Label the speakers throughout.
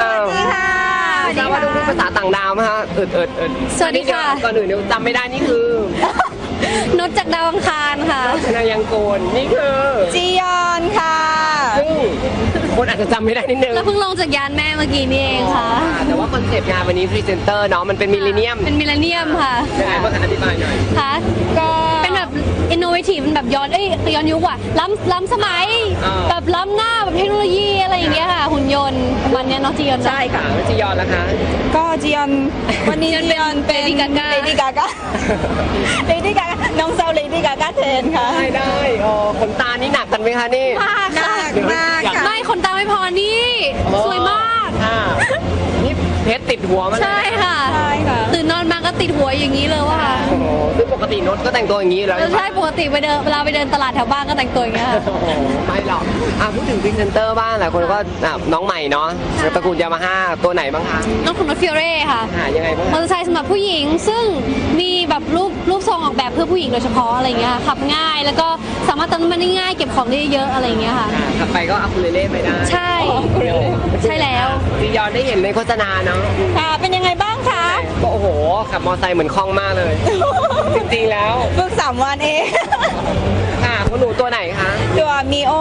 Speaker 1: สดีค่ะ
Speaker 2: ทราบว่าต้องพูดภาษาต่างดาวไหมคะ
Speaker 1: สวัสดีค่ะ
Speaker 2: ก่อนอื่นเดี๋ยวจำไม่ได้นี่คือ
Speaker 1: นุชจากดาวอังคารค่ะ
Speaker 2: ชนายังโกนนี่คือ
Speaker 3: จียอนค่ะ
Speaker 2: ซึ่งคนอาจจะจำไม่ได้นิดนึง
Speaker 1: เราเพิ่งลงจากยานแม่เมื่อกี้นี่เองค่ะ
Speaker 2: แต่ว่าคอนเซปต์งานวันนี้พรีเซนเตอร์เนาะมันเป็นมิลเลนเนียม
Speaker 1: เป็นมิลเลนเนียมค่ะ
Speaker 2: ยังไงบ้างคะอธิบายหน่อย
Speaker 1: ค่ะ
Speaker 3: ก็
Speaker 1: เป็นแบบอินโนเวทีฟมันแบบย้อนยุคว่ะล้ำสมัย แบบล้ำหน้าแบบเทคโนโลยีอะไรอย่างเงี้ยค่ะ หุ่นยนต์วันเนี้ยน้องจียอน
Speaker 3: ใช่ค่ะ
Speaker 2: แล้วจียอนล่ะคะ
Speaker 3: ก็จียอนวันนี้จียอนเป็น
Speaker 1: Lady Gaga
Speaker 3: เลดี้กาก้าเลดี้กาก้าน้องสาวเลดี้กาก้าแทนค่ะ
Speaker 2: ได้ขนตานี่หนักกันไหมคะนี่
Speaker 1: มาก
Speaker 3: หนั
Speaker 1: ค่ะ
Speaker 3: กมากค่ะ
Speaker 1: ไม่คนตาไม่พอนี่ สวยมาก
Speaker 2: นี่เพชรติดหัวมัน
Speaker 1: ใช่ค่ะ
Speaker 3: ใช่ค่ะ
Speaker 1: ตื่นนอนมาก็ติดหัวอย่างนี้เลยว่ะ
Speaker 2: โอ้โหซึ่งปกติโนตก็แต่งตัวอย่างนี้แล้ว
Speaker 1: ใช่ปกติเวลาไปเดินตลาดแถวบ้านก็แต่งตัวอย่างเงี้ยค่ะ
Speaker 2: โอ้โหไม่หรอกพูดถึงพรีเซนเตอร์บ้างหลายคนก็น้องใหม่เนาะตระกูลยามาฮ่าตัวไหนบ้างคะ
Speaker 1: น้องของรถฟิโอเร่ค่ะ
Speaker 2: ยังไงบ้าง
Speaker 1: มอเตอร์ไซค์สำหรับผู้หญิงซึ่งมีแบบรูปทรงออกแบบเพื่อผู้หญิงโดยเฉพาะอะไรเงี้ยขับง่ายแล้วก็สามารถเติมน้ำมันได้ง่ายเก็บของได้เยอะอะไรเงี้ยค่ะ
Speaker 2: ขับไปก็อัคูเลเล่ไปได้
Speaker 1: ใช่ ใช่แล้ว
Speaker 2: จียอนได้เห็นในโฆษณาเนาะ
Speaker 3: ค่ะเป็นยังไงบ้างคะ
Speaker 2: ก็โอ้โหขับมอเตอร์ไซค์เหมือนคล่องมากเลย จริงๆแล้ว
Speaker 3: ฝึก3 วันเอง
Speaker 2: ค่ะคุณหนูตัวไหนคะ
Speaker 3: ตัวมีโอ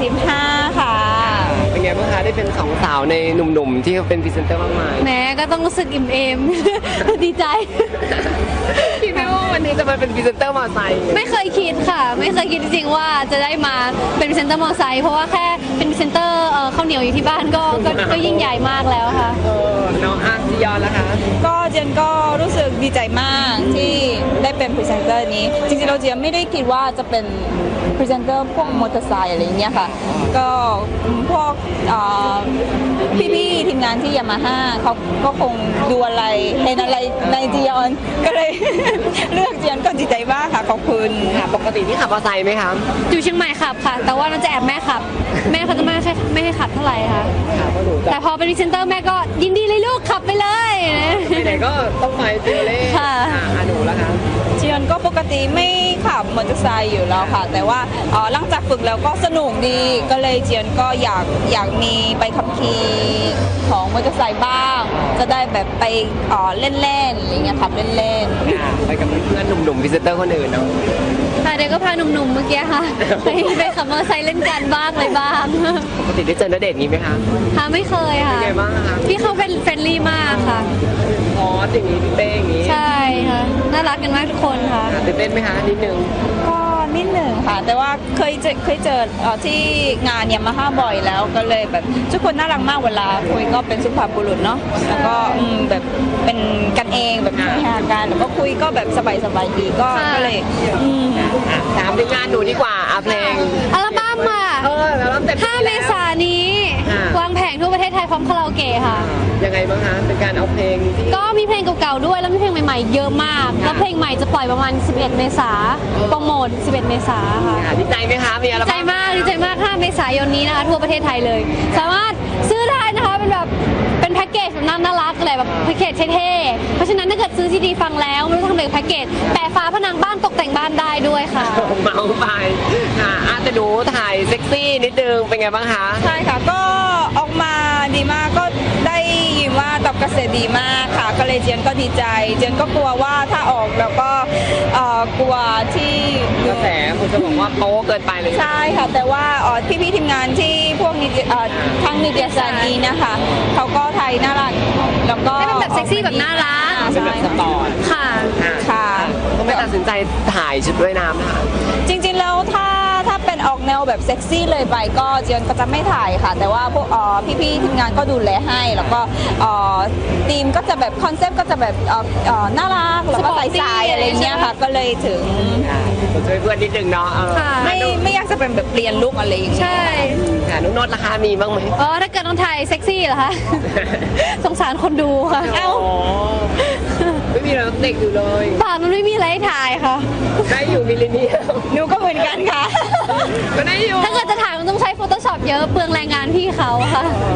Speaker 3: 115ค่ะ
Speaker 2: เป็นไงบ้างคะได้เป็นสองสาวในหนุ่มๆที่เป็นพรีเซนเตอร์มากมาย
Speaker 1: แหมก็ต้องรู้สึกอิ่มเอม ดีใจ
Speaker 2: คิดไหมว่าวันนี้จะมาเป็นพรีเซนเตอร์มอเตอร์ไซค์
Speaker 1: ไม่เคยคิดค่ะ ไม่เคยคิดจริงๆว่าจะได้มาเป็นพรีเซนเตอร์มอเตอร์ไซค์เพราะว่าแค่เป็นพรีเซนเตอร์ข้าวเหนียวอยู่ที่บ้านก็ยิ่งใหญ่มากแล้วค่ะ
Speaker 2: น้องจียอนล่ะคะ
Speaker 3: ก็เจนก็รู้สึกดีใจมากที่ได้เป็นพรีเซนเตอร์นี้ จริงๆเราเจนไม่ได้คิดว่าจะเป็นพรีเซนเตอร์พวกมอเตอร์ไซค์อะไรอย่างเงี้ยค่ะ ก็พวกพี่ๆทีมงานที่ยามาฮ่าเขาก็คงดูอะไรเห็นอะไรในจียอน ก็เลย เลือกเจียนก็ดีใจมากค่ะขอบคุณ
Speaker 2: ค่ะปกติที่ขับมอเตอร์ไซค์ไหมคะ
Speaker 1: อยู่เชียงใหม่ขับค่ะ แต่ว่าเราจะแอบแม่ขับ แม่เขาจะไม่ให้ขับเท่าไหร่ค่ะ
Speaker 2: ค่ะเพราะหนูจะ
Speaker 1: แต่พอเป็นพรีเซนเตอร์แม่ก็ยินดีเลยลูกขับไปเลย
Speaker 2: ไปไหนก็ต้องไปจีเล่
Speaker 1: ค่ะ
Speaker 2: หนูล่ะคะ
Speaker 3: เจียนก็ปกติไม่ขับมอเตอร์ไซค์อยู่แล้วค่ะ แต่ว่าหลังจากฝึกแล้วก็สนุกดีก็เลยเจียนก็อยากมีใบขับขี่ของมอเตอร์ไซค์บ้าง จะได้แบบไปเล่นๆอะไรเงี้ยขับเล่นๆ
Speaker 2: ไปกับเพื่อนๆหนุ่มๆพรีเซนเตอร์คนอื่นเนาะ
Speaker 1: ค่ะเดี๋ยวก็พาหนุ่มๆเมื่อกี้ค่ะ ไปขับมอเตอร์ไซค์เล่นกันบ้างอะไรบ้าง
Speaker 2: ปกติได้เจอณเดชน์นี้ไหมคะ
Speaker 1: ค่ะไม่เคยค่ะ
Speaker 2: เป็นไงบ้างคะ
Speaker 1: พี่เขาเป็นเฟรนลี่มากค่ะ
Speaker 2: พอสอย่างนี้พี่เป้อย่างนี้
Speaker 1: ใช่ค่ะน่ารักกันมากทุกคนค่ะ
Speaker 2: ตื่นเต้นไหมคะนิดนึง
Speaker 3: ก็นิดหนึ่งค่ะ แต่ว่าเคยเจอที่งานยามาฮ่าบ่อยแล้วก็เลยแบบทุกคนน่ารักมากเวลาคุยก็เป็นสุภาพบุรุษเนาะแล้วก็แบบเป็นกันเองแบบมีหากันแล้วก็คุยก็แบบสบายๆดีก็
Speaker 1: ค่ะ
Speaker 3: เลย
Speaker 2: ถามถึงงานหนูดีกว่าเพลง
Speaker 1: อัลบั้มอ่ะ
Speaker 2: แล้วเต็มที่
Speaker 1: 5 เมษายนนี้
Speaker 2: ค่ะ
Speaker 1: วางแผงทั่วประเทศไทยพร้อมคาราโอเกะค่ะ
Speaker 2: ยังไงบ้างคะเป็นการเอาเพลงที่
Speaker 1: ก็มีเพลงเก่าๆด้วยแล้วมีเพลงใหม่ๆเยอะมาก แล้วเพลงใหม่จะปล่อยประมาณ 11 เมษาโปรโมท 11 เมษาค่ะ
Speaker 2: ดีใจไหมคะมีอะไร
Speaker 1: ดีใจมากดีใจมาก 5 เมษายนนี้นะคะทั่วประเทศไทยเลย สามารถซื้อได้นะคะเป็นแบบเป็นแพ็กเกจแบบน่ารักอะไรแบบแพ็กเกจเท่ๆ เพราะฉะนั้นถ้าเกิดซื้อซีดีฟังแล้วไม่รู้ทำอะไรกับแพ็กเกจแปะฝาผนังบ้านตกแต่งบ้านได้ด้วยค่ะ
Speaker 2: เมาไปค่ะแต่หนูถ่ายเซ็กซี่นิดนึงเป็นไงบ้างคะ
Speaker 3: ใช่ค่ะก็ออกมาดีมากก็ได้ยินว่าตอบกระแสดีมากค่ะ ก็เลยเจียนก็ดีใจ เจียนก็กลัวว่าถ้าออกแล้วก็กลัวที่
Speaker 2: กระแสคุณจะบอกว่าโป๊เกินไปเลย
Speaker 3: ใช่ค่ะ แต่ว่าพี่ๆทีมงานที่พวกทางนิตยสารนี้นะคะเขาก็ไทยน่ารักแล้วก็
Speaker 1: ให้เป็นแบบเซ็กซี่แบบน่ารัก
Speaker 2: เป็นแบบสปอร์ต
Speaker 1: ค่ะ
Speaker 3: ค่ะ
Speaker 2: ก็ไม่ตัดสินใจถ่ายชุดว่ายน้ำนะคะ
Speaker 3: จริงๆแล้วถ้าเป็นออกแนวแบบเซ็กซี่เลยไปก็เจียนก็จะไม่ถ่ายค่ะ แต่ว่าพวกพี่ๆทีมงานก็ดูแลให้แล้วก็ทีมก็จะแบบคอนเซปต์ก็จะแบบน่ารักแล้วก็ใสๆอะไรเงี้ยค่ะ ก็เลยถึง
Speaker 2: ช่วยเพื่อนนิดนึงเนาะ
Speaker 1: ค่ะ
Speaker 3: ไม่อยากจะเป็นแบบเปลี่ยนลุคอะไรอย่างเงี้ย
Speaker 1: ใช่
Speaker 2: ค่ะนุ๊กนดราคามีบ้างไหม
Speaker 1: อ๋อถ้าเกิดต้องถ่ายเซ็กซี่เหรอคะ สงสารคนดูค่ะ
Speaker 2: เอ้าไม่มีเราเด็กอยู่เลย
Speaker 1: ป่านมันไม่มีอะไรให้ถ่ายค่ะ
Speaker 2: ได้อยู่มิลเลนเนียม
Speaker 3: หนูก็เหมือนกันค่ะ
Speaker 2: ก็ได้อยู่
Speaker 1: ถ้าเกิดจะถ่ายมันต้องใช้ Photoshop เยอะเปลืองแรงงานพี่เขาค่ะ
Speaker 2: ค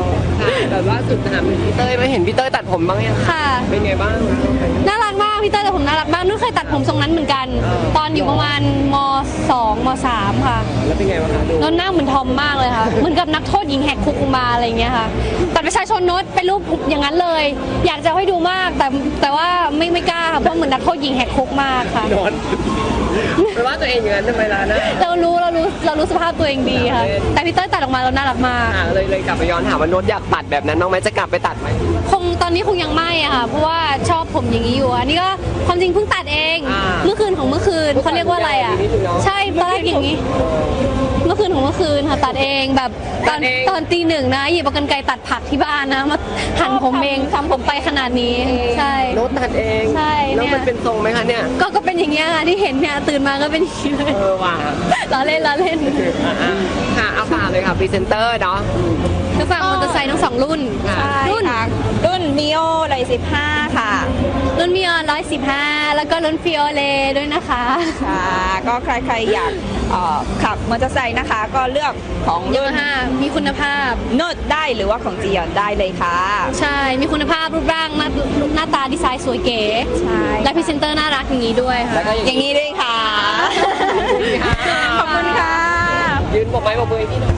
Speaker 2: ค่ะแต่ว่าสุดถามถึงพี่เต้ยไม่เห็นพี่เต้ยตัดผมบ้างยัง
Speaker 1: ค่ะ
Speaker 2: เป็นไงบ้าง
Speaker 1: น่ารักมากพี่เต้ยแต่ผมน่ารักมากนุ่นเคยตัดผมทรงนั้นเหมือนกัน ตอนอยู่ประมาณม2ม3ค่ะ
Speaker 2: แล้วเป็นไงบ้างคะดู
Speaker 1: โน้ตหน้าเหมือนทอมมากเลยค่ะ เหมือนกับนักโทษหญิงแหกคุกมาอะไรอย่างเงี้ยค่ะบัตรประชาชนโน้ตเป็นรูปอย่างนั้นเลย อยากจะให้ดูมากแต่ว่าไม่กล้าค่ะเพราะเหมือนนักโทษหญิงแหกคุกมากค่ะ
Speaker 2: นอนไม่ว่าตัวเองอย่างนั้นทำไมล่ะนะ
Speaker 1: เรารู้สภาพตัวเองดีค่ะ แต่พี่เต้ยตัดออกมาเราน่ารักมาก
Speaker 2: เลยกลับไปย้อนถามว่าโน้ตอยากตัดแบบนั้นน้องไหมจะกลับไปตัดไหม
Speaker 1: ตอนนี้คงยังไม่อะค่ะ เพราะว่าชอบผมอย่างนี้อยู่อันนี้ก็ความจริงเพิ่งตัดเอง เมื่อคืนของเมื่อคืนเขาเรียกว่าอะไรอะใช่ตอนแรกอย่างนี้ เมื่อคืนของเมื่อคืนค่ะตัดเองแบบตอนตี 1นะหยิบเอากรรไกรตัดผักที่บ้านนะมาหั่นผมเองทำผมไปขนาดนี้ใช่
Speaker 2: โน้ตตัดเอง
Speaker 1: ใช่
Speaker 2: แล้ว
Speaker 1: เนี่ย
Speaker 2: มันเป็นทรงไหมคะเนี่ย
Speaker 1: ก็เป็นอย่างเงี้ยค่ะที่เห็นเนี่ยตื่นมาก็เป็นอย่างนี้เลย
Speaker 2: ว่ะ
Speaker 1: ล้อเล่น
Speaker 2: ค่ะเอาฝากเลยค่ะพรีเซนเตอร์เนาะ
Speaker 1: ก็ฝากมอเตอร์ไซค์ทั้ง2รุ่น
Speaker 3: ใช่
Speaker 1: รุ่น
Speaker 3: ค่ะรุ่นมิโอเลย15 ค่ะ
Speaker 1: รุ่นมิออน115 แล้วก็รุ่นฟิโอเลด้วยนะคะ
Speaker 3: ค่ะก็ใครๆอยากขับมอเตอร์ไซค์นะคะ ก็เลือกของ
Speaker 1: ยา
Speaker 3: รุ่น
Speaker 1: มาฮ่ามีคุณภาพ
Speaker 3: โน้ตได้หรือว่าของจียอนได้เลยค่ะ
Speaker 1: ใช่ มีคุณภาพรูปร่างหน้าตาดีไซน์สวยเก๋
Speaker 3: ใช่
Speaker 1: และพรีเซนเตอร์น่ารักอย่างนี้ด้วยค่ะ
Speaker 2: แล้วก็
Speaker 3: อย่างนี้ด้วยค่ะ ขอบคุณค่ะ
Speaker 2: ยืนบอกไม้บอกมือให้พี่หน่อย